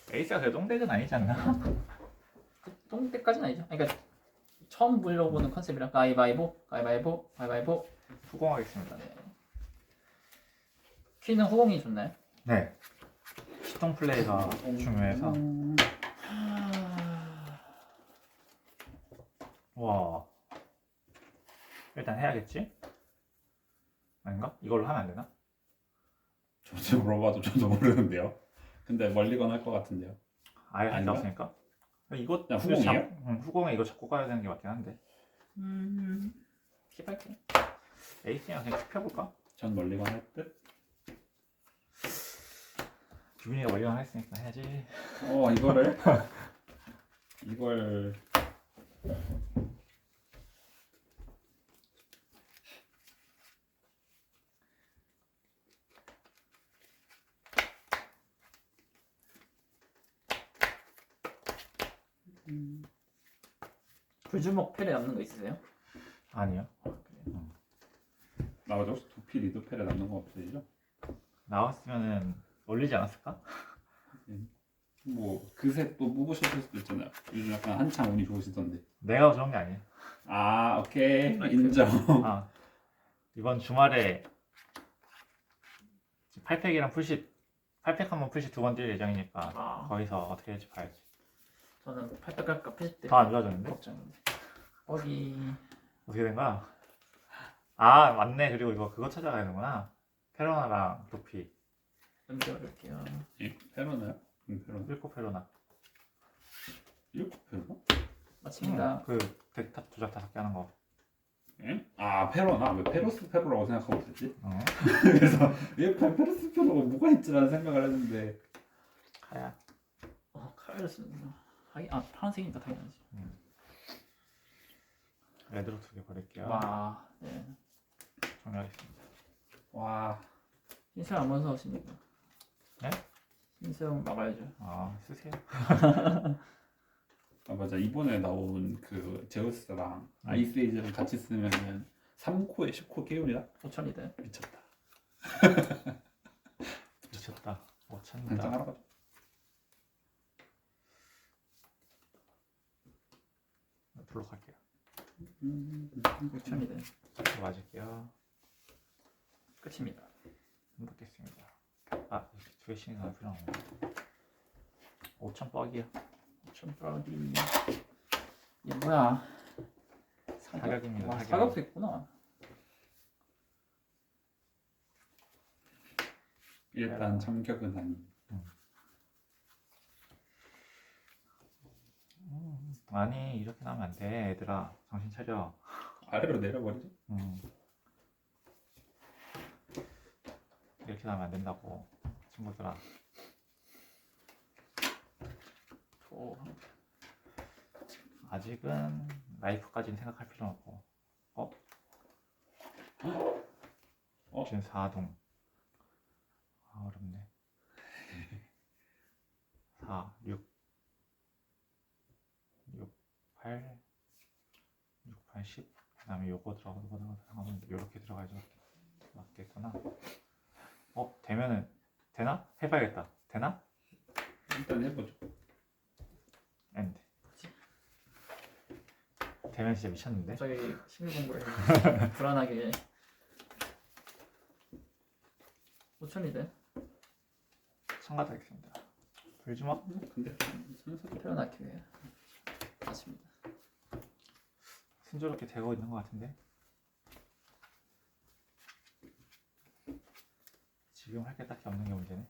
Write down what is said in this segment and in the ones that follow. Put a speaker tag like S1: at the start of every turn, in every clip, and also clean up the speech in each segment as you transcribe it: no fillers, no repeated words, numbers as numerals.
S1: 에이스가 그래도 똥덱은 아니지 않나?
S2: 그 똥때까지는 아니죠. 그러니까 처음 물려보는 컨셉이라 가위바위보, 가위바위보, 가위바위보.
S1: 후공하겠습니다.
S2: 네. 퀸은 후공이 좋나요?
S1: 네. 시동 플레이가 중요해서. 와. 일단 해야겠지? 아닌가? 이걸로 하면 안 되나?
S3: 저도 물어봐도 저도 모르는데요. 근데 멀리건 할 것 같은데요.
S1: 아예 할게
S3: 아닌가?
S1: 없으니까. 이거
S3: 그냥 후공이에요?
S1: 후공에 이거 잡고 가야 되는 게 맞긴 한데.
S2: 킵할게.
S1: 에이스랑 그냥 쭉 펴볼까?
S3: 전 멀리건 할 듯.
S1: 규빈이가 원리만 했으니까 해야지.
S3: 이거를 이걸
S2: 불주먹 패를 남는 거 있으세요?
S1: 아니요.
S3: 나머지 혹시 두피 리드펠에 남는 거 없으시죠?
S1: 나왔으면은 올리지 않았을까?
S3: 뭐 그새 또 뽑으셨을 수도 있잖아요. 요즘 약간 한창 운이 좋으시던데.
S1: 내가 그런 게 아니에요.
S3: 아 오케이 인정.
S1: 아, 이번 주말에 8팩이랑 풀십 8팩 한번 풀십 두 번 뛸 예정이니까
S2: 아.
S1: 거기서 어떻게 될지 봐야지.
S2: 저는 팔백 갈까 패십 때
S1: 더 안 좋아졌는데?
S2: 걱정인데. 거기
S1: 어떻게 된 거야? 아 맞네. 그리고 이거 그거 찾아가야 되는구나. 페로나랑 도피.
S2: 연결할게요.
S3: 페로나요? 페로나.
S1: 1코 페로나.
S3: 이렇게 페로나?
S2: 마칩니다.
S1: 그 덱탑 조작 5개 하는 거.
S3: 예? 아 페로나? 왜 페로스 페로라고 생각하고 있었지?
S1: 어?
S3: 그래서 왜 페로스 페로가 뭐가 있지라는 생각을 했는데
S1: 가야.
S2: 카일스 하긴 파란색이니까 당연하지.
S1: 레드로 2개 버릴게요.
S2: 와, 네.
S1: 정리하겠습니다.
S3: 와
S2: 흰색 안 무서우시니까.
S1: 네?
S2: 흰색 막아야죠.
S1: 아 쓰세요.
S3: 아 맞아 이번에 나온 그 제우스랑 아이스에이지랑 같이 쓰면은 3코에 10코 깨울이라
S2: 5천이다.
S3: 미쳤다.
S1: 미쳤다. 못
S3: 당장
S1: 찾는다.
S3: 하러 가자.
S1: 블록 할게요.
S2: 6천이다.
S1: 맞을게요.
S2: 끝입니다.
S1: 행복했습니다. 아, 두 개씩이나 할 필요는 없네. 5천 뻑이요.
S2: 5천 프라우디. 이게 뭐야?
S1: 사격입니다,
S2: 와,
S1: 사격.
S2: 사격도 있구나.
S3: 일단 참격은 아니.
S1: 아니 이렇게 나오면 안 돼. 얘들아 정신 차려.
S3: 아래로 내려버리죠.
S1: 이렇게 나오면 안 된다고 친구들아. 아직은 라이프까지는 생각할 필요는 없고. 지금 4동. 아 어렵네. 4, 6, 8, 6, 8, 10. 그 다음에 요거 들어가면 요렇게 들어가야지 맞겠구나. 되면은 되나? 해봐야겠다. 되나?
S3: 일단 해보죠.
S1: 엔드. 되면 진짜 미쳤는데?
S2: 갑자기 심리 공부를 해. 불안하게. 5천이다.
S1: 참가하겠습니다. 불주먹?
S3: 근데 순서대로
S2: 태어나기 위해. 맞습니다.
S1: 순조롭게 되고 있는 것 같은데? 지금 할 게 딱히 없는 게 문제네.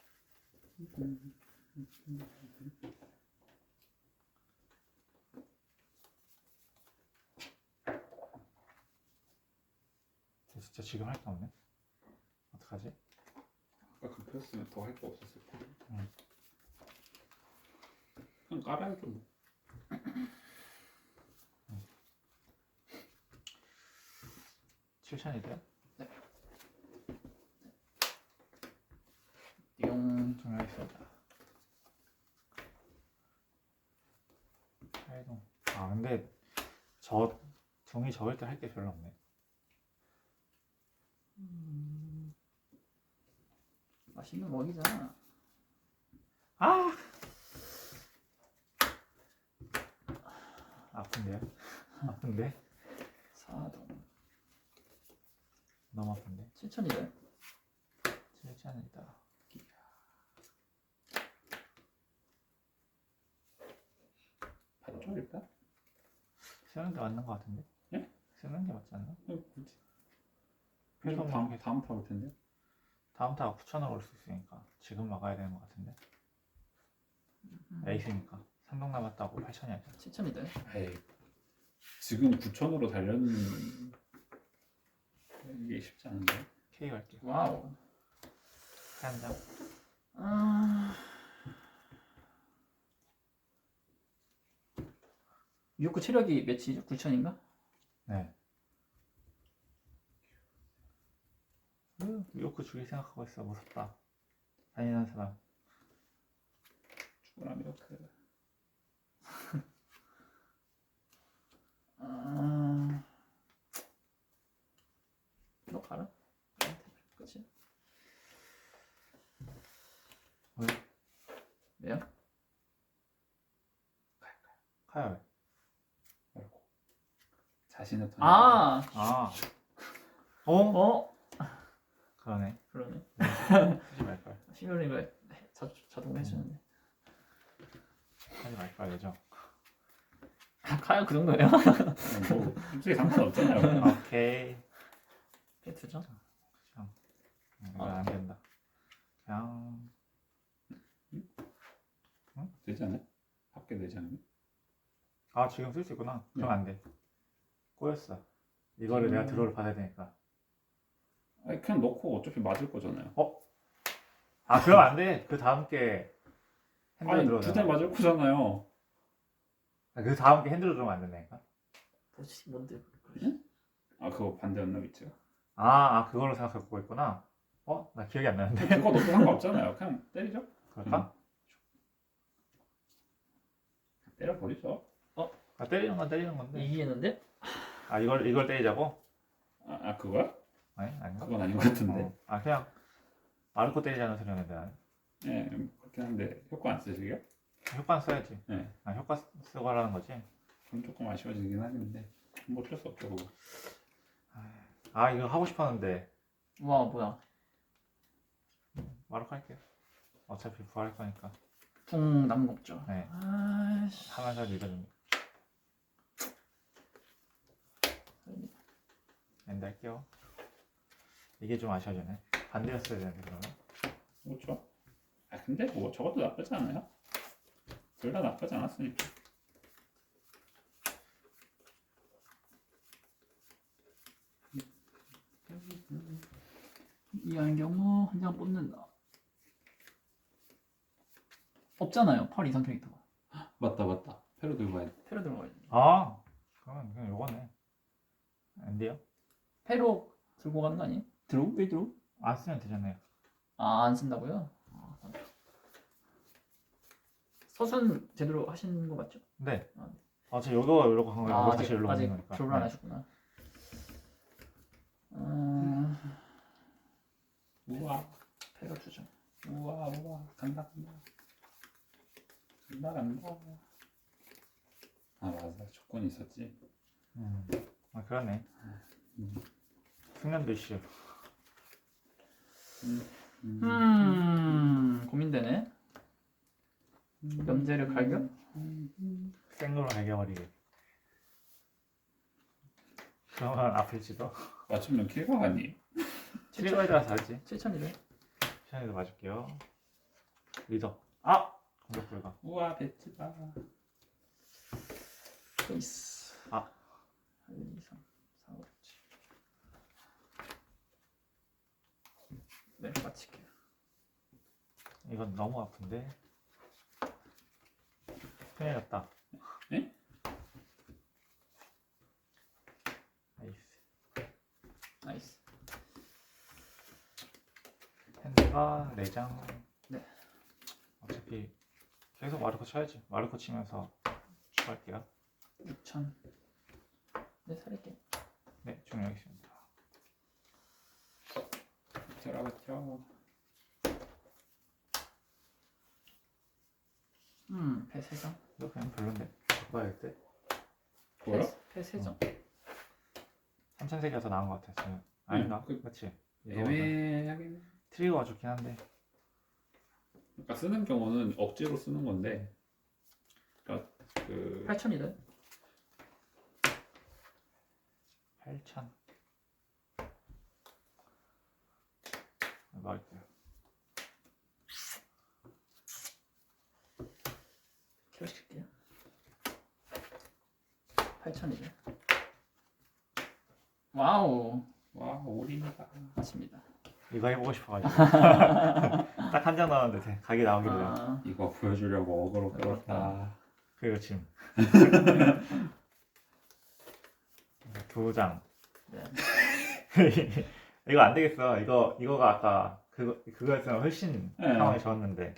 S1: 진짜 지금 할 게 없네. 어떡하지?
S3: 아까 그 폈으면 더 할 거 없었을 거야.
S1: 응.
S3: 그냥 깔아야죠. 뭐.
S1: 7,000이돼요?
S2: 띠용.
S1: 정리하겠습니다. 8동. 아 근데 저 동이 적을 때 할 게 별로 없네.
S2: 맛있는 먹이잖아.
S1: 아 아픈데요? 아픈데?
S2: 4동
S1: 너무 아픈데?
S2: 7,200.
S1: 실전이다.
S3: 봤죠 일단?
S1: 쓰는 게 맞는 것 같은데?
S3: 예?
S1: 쓰는 게 맞지 않나?
S3: 굳이.
S1: 그래서
S3: 다음 타올 텐데.
S1: 다음 타가 9,000으로 올 수 있으니까 지금 막아야 되는 것 같은데. 에이스니까 3동 남았다고 8,000이야죠.
S2: 7,200.
S3: 에이, 지금 9천으로 달려는 이게 쉽지 않은데.
S1: K 갈게요.
S2: 와우.
S1: 한 장.
S2: 아... 유효크 체력이 몇이죠? 9,000인가?
S1: 네. 요크 죽일 생각하고 있어. 무섭다. 잔인한 사람.
S3: 죽으라면 이렇게.
S2: 아... 너 가라. 그치?
S1: 왜?
S2: 왜요?
S1: 카야 왜?
S3: 말고 자신의 턴.
S2: 아!
S1: 아. 어?
S2: 어?
S1: 그러네.
S2: 그러네.
S1: 하지 말걸.
S2: 시뮬링을 자동으로 해주는데.
S1: 하지 말걸 예정.
S2: 카야 그 정도예요?
S3: 뭐 솔직히 상관없잖아요.
S1: 오케이.
S2: 페트죠?
S1: 그냥 이건 안 된다. 그냥
S3: 되지 않아요? 합계 되지 않아요?
S1: 아 지금 쓸 수 있구나. 그럼
S3: 네.
S1: 안 돼. 꼬였어. 이거를 내가 드로우를 받아야 되니까.
S3: 아니 그냥 넣고 어차피 맞을 거잖아요.
S1: 아 그럼 안 돼. 그 다음 게 핸들
S3: 아니
S1: 들어오잖아.
S3: 두대 맞을 거잖아요.
S1: 그 다음 게 핸들로 들어오면 안 된다니까.
S2: 뭐지? 뭔데?
S3: 아 그거 반대였나 위치가?
S1: 아 그걸로 생각하고 있구나. 나 기억이 안 나는데.
S3: 그거 넣고 상관없잖아요. 그냥 때리죠.
S1: 그럴까?
S3: 때려버리죠.
S1: 때리는 건 때리는 건데.
S2: 이기겠는데?
S1: 아 이걸 때리자고?
S3: 아 그거야?
S1: 아니 아닌가?
S3: 그건 아닌 것 같은데.
S1: 그냥 마르코 때리자는 소리였는데 나는.
S3: 예, 그렇긴 한데 효과 안 쓰시게요?
S1: 효과 써야지.
S3: 네.
S1: 효과 쓰고 하라는 거지.
S3: 그럼 조금 아쉬워지긴 하는데 뭐 어쩔 수 없죠 그거.
S1: 이거 하고 싶었는데
S2: 와 뭐야?
S1: 마르코 할게요. 어차피 부활할 거니까.
S2: 붕 남은 거 없죠?
S1: 네.
S2: 아이씨.
S1: 하면서 읽어줍니다. 엔드 할게요. 이게 좀 아쉬워지네. 반대였어야 되는데 그러면.
S3: 그렇죠. 근데 뭐 저것도 나쁘지 않아요. 둘 다 나쁘지 않았으니까.
S2: 이하는 경우 한 장 뽑는다. 없잖아요. 8 이상 캐릭터가.
S3: 맞다. 패로 들고 가야 돼.
S2: 페로 들어가야지.
S1: 그러면 그냥 요거네. 엔드요?
S2: 페로 들고 가는 거 아니에요? 드로우? 왜 드로우?
S1: 안 쓰면 되잖아요.
S2: 안 쓴다고요? 서순 제대로 하신 거 맞죠?
S1: 네.
S2: 아,
S1: 저 요거 이러고 간 거예요. 다시
S2: 아직
S1: 일로 오는 거니까.
S2: 드로우를 안 하셨구나.
S3: 우와
S2: 페로 주죠.
S3: 우와 간다. 아 맞아 조건이 있었지.
S1: 그러네. 숙련도 이슈.
S2: 고민되네. 염제를 갈겨?
S1: 생으로 갈겨버리게. 그러면 아플지도.
S3: 맞추면 킬각 아니?
S1: 킬거에 따라서 다르지.
S2: 7,200.
S1: 시간에도 맞을게요. 리더. 공격 불가.
S3: 우와 배치다.
S2: 페이스. 1, 2, 3, 4, 5, 7. 네, 마칠게요.
S1: 이건 너무 아픈데. 큰일 났다.
S3: 네?
S2: 나이스.
S1: 핸드가 4장.
S2: 네.
S1: 어차피 계속 마르코 쳐야지. 마르코 치면서 추가할게요.
S2: 6,000. 네, 살릴게요.
S1: 네, 종료하겠습니다.
S3: 들어갔죠.
S2: 배 3장.
S1: 이거 그냥 별론데. 바꿔야겠대.
S3: 보여?
S2: 패 3점.
S1: 3,000색이라서 나은 것 같아 지금. 아닌가?
S3: 그-
S1: 그렇지.
S3: 애매하긴 해.
S1: 트리거가 좋긴 한데.
S3: 그러니까 쓰는 경우는 억지로 쓰는 건데 그러니까 그
S2: 8,000이래.
S1: 8,000. 넣을게요.
S2: 키워시킬게요. 8,000이래. 와우.
S3: 와 올인이다.
S2: 맞습니다.
S1: 이거 해보고 싶어가지고. 딱 한 장 나왔는데 각이 나오길래.
S2: 아,
S3: 이거 보여주려고 어그로 끌었다.
S1: 그리고 지금 2장.
S2: 네.
S1: 이거 안 되겠어. 이거가 아까 그거였으면 훨씬
S3: 네.
S1: 상황이 좋았는데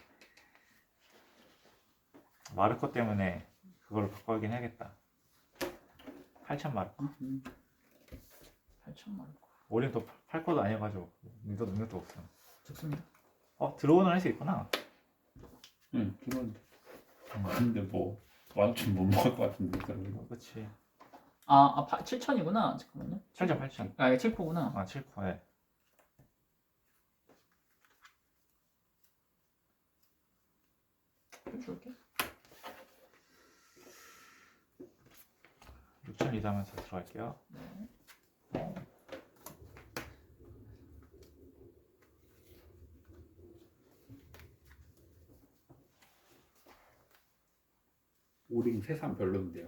S1: 마르코 때문에 그걸로 바꿔야긴 해야겠다. 8,000 마르코.
S2: 8,000 말고.
S1: 우린 또 8코도 아니어가지고 믿어 능력도 없어.
S2: 좋습니다.
S1: 드로우는 할 수 있구나.
S3: 응 그런. 근데 뭐 완전 못 먹을 것 같은데 그러면.
S1: 그렇지.
S2: 7,000이구나. 잠깐만요.
S1: 8,000 8,000.
S2: 아, 이게 7코구나.
S1: 7코에.
S2: 줄게.
S1: 6,000 리드하면서 들어갈게요.
S2: 네.
S3: 오링 세상 별론데요.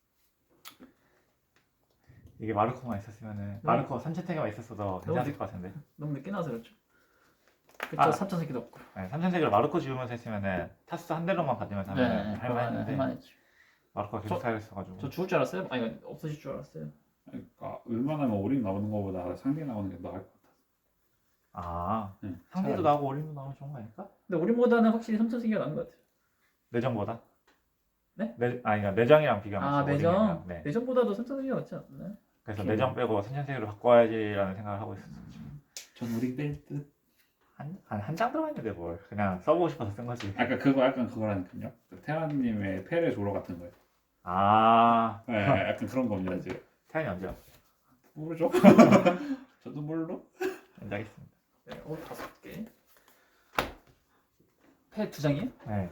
S1: 이게 마르코만 있었으면은 마르코 3,000색에만 있었어도 괜찮을 것 같은데.
S2: 너무 늦게 나와서 그렇죠. 그쵸,
S1: 아.
S2: 3,000새끼도 없고.
S1: 네, 3,000색을 마르코 지우면서 했으면은 타스 한 대로만 받으면서 하면 할만했는데
S2: 할만했죠.
S1: 마르코가 계속 사야겠어가지고.
S2: 저 죽을 줄 알았어요? 아니, 없어질 줄 알았어요.
S3: 그러니까 웬만하면 오링 나오는 것보다 상대 나오는 게 나을 것 같아. 응,
S1: 상대도
S3: 차라리.
S1: 나오고 올림도 나오면 좋은 거 아닐까?
S2: 근데 우리보다는 확실히 3,000새끼가 나은 것 같아요.
S1: 내전보다?
S2: 네?
S1: 그러니까 내정이랑 비교하면서
S2: 내전?
S1: 올림이랑, 네.
S2: 내전보다도 3,000새끼가 낫지 않나요?
S1: 그래서
S2: 오케이.
S1: 내정 빼고 3,000색으로 바꿔야지라는 생각을 하고 있었어.
S3: 전 오링 뺄 듯.
S1: 한 장 들어가 있는데 뭘 그냥 써보고 싶어서 쓴 거지.
S3: 아까 그거 약간 그거라니까요. 그 테라님의 페레 조로 같은 거예요.
S1: 네.
S3: 약간 그런 겁니다 지금.
S1: 태연이 언제요?
S3: 모르죠? 저도 몰라.
S1: 언제 하겠습니다.
S2: 네, 5개. 패 2장이에요?
S1: 네.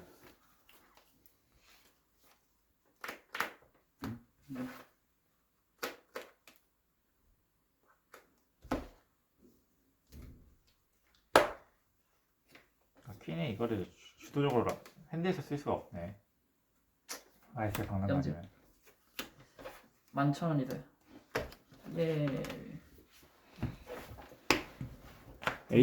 S1: 퀸이 이거를 주도적으로 핸드에서 쓸 수가 없네. 아이스 박는
S2: 염지.
S1: 거면.
S2: 11,000원이래. 예.